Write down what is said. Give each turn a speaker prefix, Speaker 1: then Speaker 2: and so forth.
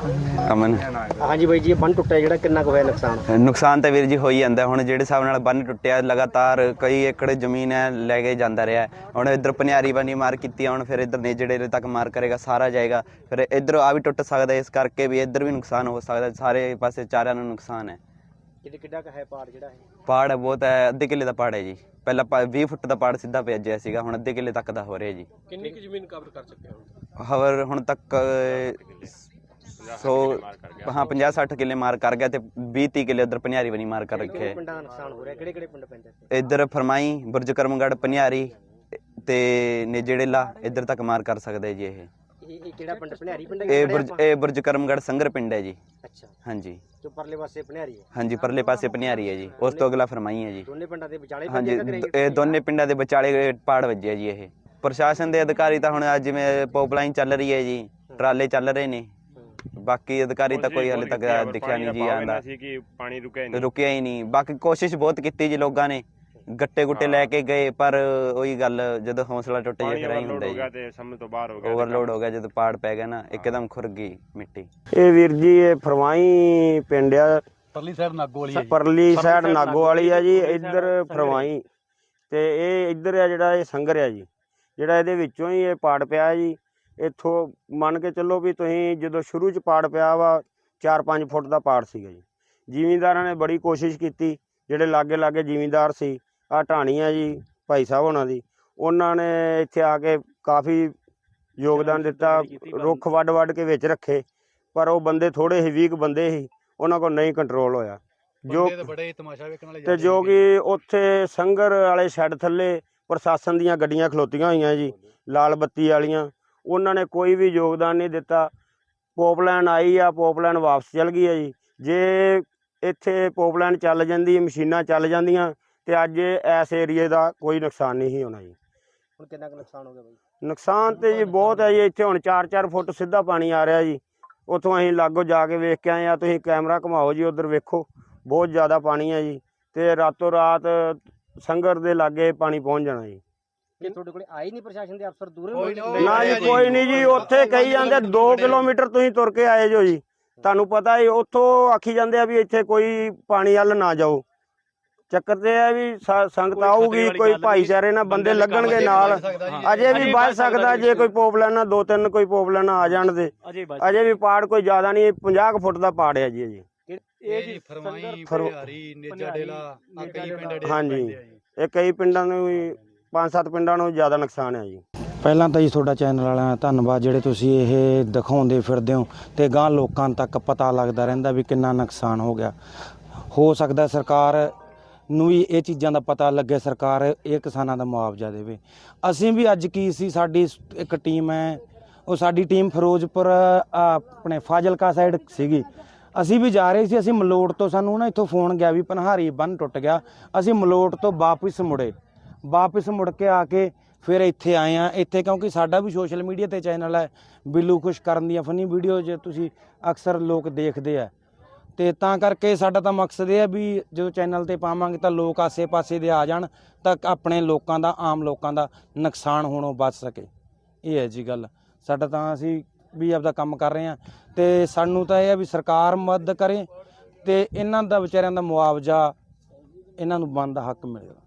Speaker 1: ਅਮਨ।
Speaker 2: ਹਾਂਜੀ ਬਾਈ ਜੀ, ਇਹ ਬੰਨ ਟੁੱਟਿਆ ਜਿਹੜਾ ਕਿੰਨਾ ਕੁ ਹੋਇਆ ਨੁਕਸਾਨ?
Speaker 1: ਨੁਕਸਾਨ ਤਾਂ ਵੀਰ ਜੀ ਹੋ ਹੀ ਜਾਂਦਾ। ਹੁਣ ਜਿਹੜੇ ਹਿਸਾਬ ਨਾਲ ਬੰਨ ਟੁੱਟਿਆ ਲਗਾਤਾਰ ਕਈ ਏਕੜ ਜ਼ਮੀਨ ਹੈ ਲੈ ਕੇ ਜਾਂਦਾ ਰਿਹਾ। ਹੁਣ ਇੱਧਰ ਪਨਿਆਰੀ ਬੰਨੀ ਮਾਰ ਕੀਤੀ, ਹੁਣ ਫਿਰ ਇੱਧਰ ਨੇਜੜੇ ਤੱਕ ਮਾਰ ਕਰੇਗਾ, ਸਾਰਾ ਜਾਏਗਾ। ਫਿਰ ਇੱਧਰ ਆ ਵੀ ਟੁੱਟ ਸਕਦਾ, ਇਸ ਕਰਕੇ ਵੀ ਇੱਧਰ ਵੀ ਨੁਕਸਾਨ ਹੋ ਸਕਦਾ। ਸਾਰੇ ਪਾਸੇ ਚਾਰਿਆਂ ਨੂੰ ਨੁਕਸਾਨ ਹੈ।
Speaker 2: ਕਿੱਡਾ ਕੁ ਹੈ ਪਾੜ ਜਿਹੜਾ ਹੈ?
Speaker 1: ਪਾੜ ਬਹੁਤ ਹੈ, ਅੱਧੇ ਕਿੱਲੇ ਦਾ ਪਾੜ ਹੈ ਜੀ। ਪਹਿਲਾਂ 20 ਫੁੱਟ ਦਾ ਪਾੜ ਸਿੱਧਾ ਭੇਜਿਆ ਸੀਗਾ, ਹੁਣ ਅੱਧੇ ਕਿੱਲੇ ਤੱਕ ਦਾ ਹੋ ਰਿਹਾ ਜੀ।
Speaker 2: ਕਿੰਨੀ ਕੁ ਜ਼ਮੀਨ ਕਵਰ ਕਰ ਚੁੱਕੇ ਹੋ?
Speaker 1: ਹਵਰ ਹੁਣ ਤੱਕ 50-60 ਕਿੱਲੇ ਮਾਰ ਕਰ ਗਿਆ ਤੇ 20-30 ਕਿੱਲੇ ਉਧਰ ਪਨਿਆਰੀ ਬਣੀ ਮਾਰ ਕਰ ਰੱਖੇ।
Speaker 2: ਪਿੰਡਾਂ ਦਾ ਨੁਕਸਾਨ ਹੋ ਰਿਹਾ, ਕਿਹੜੇ ਪਿੰਡ ਪੈਂਦੇ?
Speaker 1: ਇੱਧਰ ਫਰਮਾਈ, ਬੁਰਜ ਕਰਮਗੜ੍ਹ, ਪਨਿਆਰੀ ਤੇ ਨੇਜੜੇਲਾ ਇੱਧਰ ਤੱਕ ਮਾਰ ਕਰ ਸਕਦੇ ਜੀ।
Speaker 2: ਇਹ ਕਿਹੜਾ ਪਿੰਡ? ਪਨਿਆਰੀ ਪਿੰਡ?
Speaker 1: ਇਹ ਬੁਰਜ ਕਰਮਗੜ੍ਹ ਸੰਗਰ ਪਿੰਡ ਹੈ ਜੀ।
Speaker 2: ਅੱਛਾ,
Speaker 1: ਹਾਂਜੀ।
Speaker 2: ਤੇ ਪਰਲੇ ਪਾਸੇ ਪਨਿਆਰੀ ਹੈ?
Speaker 1: ਹਾਂਜੀ, ਪਰਲੇ ਪਾਸੇ ਪਨਿਆਰੀ ਹੈ ਜੀ, ਉਸ ਤੋਂ ਅਗਲਾ ਫਰਮਾਈ ਹੈ ਜੀ।
Speaker 2: ਦੋਨੇ ਪਿੰਡਾਂ ਦੇ ਵਿਚਾਲੇ?
Speaker 1: ਹਾਂਜੀ, ਇਹ ਦੋਨੇ ਪਿੰਡਾਂ ਦੇ ਵਿਚਾਲੇ ਪਾੜ ਵੱਜਿਆ ਜੀ। ਇਹ ਪ੍ਰਸ਼ਾਸਨ ਦੇ ਅਧਿਕਾਰੀ ਤਾਂ ਹੁਣ ਜਿਵੇਂ ਪਾਈਪਲਾਈਨ ਚੱਲ ਰਹੀ ਹੈ ਜੀ, ਟਰਾਲੇ ਚੱਲ ਰਹੇ ਨੇ, ਬਾਕੀ ਅਧਿਕਾਰੀ ਤਾਂ ਕੋਈ ਹਲੇ ਤੱਕ ਦਿਖਿਆ ਨਹੀਂ ਜੀ ਆਂਦਾ, ਰੁਕਿਆ ਹੀ ਨਹੀਂ। ਬਾਕੀ ਕੋਸ਼ਿਸ਼ ਬਹੁਤ ਕੀਤੀ ਜੀ ਲੋਕਾਂ ਨੇ, ਗੱਟੇ ਗੁੱਟੇ ਲੈ ਕੇ ਗਏ, ਪਰ ਉਹੀ ਗੱਲ, ਜਦੋਂ ਹੌਸਲਾ ਟੁੱਟ ਜਾਏ ਫਿਰ ਐਂ ਹੁੰਦਾ ਜੀ। ਓਵਰਲੋਡ ਹੋ ਗਿਆ, ਜਦੋਂ ਪਾੜ ਪੈ ਗਿਆ ਨਾ, ਇੱਕਦਮ ਖੁਰ ਗਈ ਮਿੱਟੀ।
Speaker 3: ਇਹ ਵੀਰ ਜੀ, ਇਹ ਫਰਮਾਈ ਪਿੰਡ ਆ,
Speaker 4: ਪਰਲੀ ਸਾਈਡ ਨਾਗੋ ਵਾਲੀ
Speaker 3: ਪਰਲੀ ਸਾਈਡ ਨਾਗੋ ਵਾਲੀ ਆ ਜੀ। ਇੱਧਰ ਫਰਮਾਈ ਤੇ ਇਹ ਇੱਧਰ ਆ ਜਿਹੜਾ ਇਹ ਸੰਗਰ ਆ ਜੀ, ਜਿਹੜਾ ਇਹਦੇ ਵਿੱਚੋਂ ਹੀ ਇਹ ਪਾੜ ਪਿਆ ਜੀ। ਇੱਥੋਂ ਮੰਨ ਕੇ ਚੱਲੋ ਵੀ ਤੁਸੀਂ, ਜਦੋਂ ਸ਼ੁਰੂ 'ਚ ਪਾੜ ਪਿਆ ਵਾ 4-5 ਫੁੱਟ ਦਾ ਪਾੜ ਸੀਗਾ ਜੀ। ਜ਼ਿਮੀਂਦਾਰਾਂ ਨੇ ਬੜੀ ਕੋਸ਼ਿਸ਼ ਕੀਤੀ, ਜਿਹੜੇ ਲਾਗੇ ਜ਼ਿਮੀਂਦਾਰ ਸੀ, ਆਹ ਢਾਣੀ ਆ ਜੀ ਭਾਈ ਸਾਹਿਬ ਹੋਣਾ ਦੀ, ਉਹਨਾਂ ਨੇ ਇੱਥੇ ਆ ਕੇ ਕਾਫੀ ਯੋਗਦਾਨ ਦਿੱਤਾ, ਰੁੱਖ ਵੱਢ ਕੇ ਵਿੱਚ ਰੱਖੇ, ਪਰ ਉਹ ਬੰਦੇ ਥੋੜ੍ਹੇ ਸੀ, 20 ਬੰਦੇ ਸੀ, ਉਹਨਾਂ ਕੋਲ ਨਹੀਂ ਕੰਟਰੋਲ ਹੋਇਆ। ਜੋ ਕਿ ਉੱਥੇ ਸੰਗਰ ਵਾਲੇ ਸ਼ੈੱਡ ਥੱਲੇ ਪ੍ਰਸ਼ਾਸਨ ਦੀਆਂ ਗੱਡੀਆਂ ਖਲੋਤੀਆਂ ਹੋਈਆਂ ਜੀ, ਲਾਲ ਬੱਤੀ ਵਾਲੀਆਂ, ਉਹਨਾਂ ਨੇ ਕੋਈ ਵੀ ਯੋਗਦਾਨ ਨਹੀਂ ਦਿੱਤਾ। ਪੋਪਲਾਈਨ ਆਈ ਆ, ਪੋਪਲਾਈਨ ਵਾਪਸ ਚਲ ਗਈ ਹੈ ਜੀ। ਜੇ ਇੱਥੇ ਪੋਪਲਾਈਨ ਚੱਲ ਜਾਂਦੀ, ਮਸ਼ੀਨਾਂ ਚੱਲ ਜਾਂਦੀਆਂ, ਤੇ ਅੱਜ ਇਸ ਏਰੀਏ ਦਾ ਕੋਈ ਨੁਕਸਾਨ ਨਹੀਂ ਸੀ ਹੋਣਾ ਜੀ।
Speaker 2: ਹੁਣ ਕਿੰਨਾ ਕੁ ਨੁਕਸਾਨ ਹੋ ਗਿਆ ਬਾਈ?
Speaker 3: ਨੁਕਸਾਨ ਤੇ ਜੀ ਬਹੁਤ ਹੈ ਜੀ। ਇੱਥੇ ਹੁਣ 4-4 ਫੁੱਟ ਸਿੱਧਾ ਪਾਣੀ ਆ ਰਿਹਾ ਜੀ। ਉੱਥੋਂ ਅਸੀਂ ਲਾਗੋਂ ਜਾ ਕੇ ਵੇਖ ਕੇ ਆਏ ਆ, ਤੁਸੀਂ ਕੈਮਰਾ ਘੁਮਾਓ ਜੀ, ਉੱਧਰ ਵੇਖੋ, ਬਹੁਤ ਜ਼ਿਆਦਾ ਪਾਣੀ ਹੈ ਜੀ। ਤੇ ਰਾਤੋਂ ਰਾਤ ਸੰਗਰ ਦੇ ਲਾਗੇ ਪਾਣੀ ਪਹੁੰਚ ਜਾਣਾ ਜੀ।
Speaker 2: ਕਿ ਤੁਹਾਡੇ ਕੋਲ ਆਏ ਨਹੀਂ ਪ੍ਰਸ਼ਾਸਨ ਦੇ ਅਫਸਰ? ਦੂਰੇ
Speaker 3: ਨਾ ਜੀ, ਕੋਈ ਨਹੀਂ ਜੀ। ਉੱਥੇ ਕਹੀ ਜਾਂਦੇ 2 ਕਿਲੋਮੀਟਰ ਤੁਸੀਂ ਤੁਰ ਕੇ ਆਏ ਜੋ ਜੀ, ਤੁਹਾਨੂੰ ਪਤਾ ਹੀ। ਉੱਥੋਂ ਆਖੀ ਜਾਂਦੇ ਆ ਵੀ ਇੱਥੇ ਕੋਈ ਪਾਣੀ ਵੱਲ ਨਾ ਜਾਓ। ਚੱਕਰ ਤੇ ਹੈ ਵੀ ਸੰਗਤ ਆਊਗੀ, ਕੋਈ ਭਾਈਚਾਰੇ ਨਾਲ ਬੰਦੇ ਲੱਗਣਗੇ ਨਾਲ, ਅਜੇ ਵੀ ਵੱਧ ਸਕਦਾ ਜੇ ਕੋਈ ਪੋਪਲਾਈਨਾਂ 2-3 ਕੋਈ ਪੋਪਲਾਈਨਾਂ ਆ ਜਾਣ ਦੇ। ਅਜੇ ਵੀ ਪਾੜ ਕੋਈ ਜ਼ਿਆਦਾ ਨਹੀਂ, 50 ਫੁੱਟ ਦਾ ਪਾੜ ਹੈ ਜੀ ਅਜੇ।
Speaker 4: ਇਹ ਜੀ ਫਰਮਾਈ, ਪਨਿਆਰੀ, ਨੇਜਾੜੇਲਾ, ਆ ਕਈ ਪਿੰਡ।
Speaker 3: ਹਾਂਜੀ, ਇਹ ਕਈ ਪਿੰਡਾਂ ਨੂੰ ਵੀ, 5-7 ਪਿੰਡਾਂ ਨੂੰ ਜ਼ਿਆਦਾ ਨੁਕਸਾਨ ਹੈ ਜੀ।
Speaker 5: ਪਹਿਲਾਂ ਤਾਂ ਜੀ ਤੁਹਾਡਾ ਚੈਨਲ ਵਾਲਿਆਂ ਦਾ ਧੰਨਵਾਦ, ਜਿਹੜੇ ਤੁਸੀਂ ਇਹ ਦਿਖਾਉਂਦੇ ਫਿਰਦੇ ਹੋ ਤੇ ਗਾਂ ਲੋਕਾਂ ਤੱਕ ਪਤਾ ਲੱਗਦਾ ਰਹਿੰਦਾ ਵੀ ਕਿੰਨਾ ਨੁਕਸਾਨ ਹੋ ਗਿਆ। ਹੋ ਸਕਦਾ ਸਰਕਾਰ ਨੂੰ ਵੀ ਇਹ ਚੀਜ਼ਾਂ ਦਾ ਪਤਾ ਲੱਗੇ, ਸਰਕਾਰ ਇਹ ਕਿਸਾਨਾਂ ਦਾ ਮੁਆਵਜ਼ਾ ਦੇਵੇ। ਅਸੀਂ ਵੀ ਅੱਜ ਕੀ ਸੀ, ਸਾਡੀ ਇੱਕ ਟੀਮ ਹੈ, ਉਹ ਸਾਡੀ ਟੀਮ ਫਿਰੋਜ਼ਪੁਰ ਆਪਣੇ ਫਾਜ਼ਿਲਕਾ ਸਾਈਡ ਸੀਗੀ। ਅਸੀਂ ਵੀ ਜਾ ਰਹੇ ਸੀ, ਅਸੀਂ ਮਲੋਟ ਤੋਂ, ਸਾਨੂੰ ਨਾ ਇੱਥੋਂ ਫੋਨ ਗਿਆ ਵੀ ਪਨਹਾਰੀ ਬੰਨ ਟੁੱਟ ਗਿਆ। ਅਸੀਂ ਮਲੋਟ ਤੋਂ ਵਾਪਸ ਮੁੜ ਕੇ ਆ ਕੇ ਫਿਰ ਇੱਥੇ ਆਏ ਆ। ਇੱਥੇ ਕਿਉਂਕਿ ਸਾਡਾ ਵੀ ਸੋਸ਼ਲ ਮੀਡੀਆ ਤੇ ਚੈਨਲ ਹੈ, ਬਿੱਲੂ ਖੁਸ਼ ਕਰਨ ਦੀਆਂ ਫਨੀ ਵੀਡੀਓ ਜੇ ਤੁਸੀਂ ਅਕਸਰ ਲੋਕ ਦੇਖਦੇ ਆ, ਤੇ ਤਾਂ ਕਰਕੇ ਸਾਡਾ ਤਾਂ ਮਕਸਦ ਇਹ ਹੈ ਵੀ ਜਦੋਂ ਚੈਨਲ ਤੇ ਪਾਵਾਂਗੇ ਤਾਂ ਲੋਕ ਆਸੇ ਪਾਸੇ ਦੇ ਆ ਜਾਣ, ਤਾਂ ਆਪਣੇ ਲੋਕਾਂ ਦਾ, ਆਮ ਲੋਕਾਂ ਦਾ ਨੁਕਸਾਨ ਹੋਣੋਂ ਬਚ ਸਕੇ। ਇਹ ਹੈ ਜੀ ਗੱਲ ਸਾਡਾ। ਤਾਂ ਅਸੀਂ ਵੀ ਆਪਦਾ ਕੰਮ ਕਰ ਰਹੇ ਹਾਂ, ਤੇ ਸਾਨੂੰ ਤਾਂ ਇਹ ਹੈ ਵੀ ਸਰਕਾਰ ਮਦਦ ਕਰੇ ਤੇ ਇਹਨਾਂ ਦਾ ਵਿਚਾਰਿਆਂ ਦਾ ਮੁਆਵਜ਼ਾ ਇਹਨਾਂ ਨੂੰ ਬਣਦਾ ਹੱਕ ਮਿਲੇ।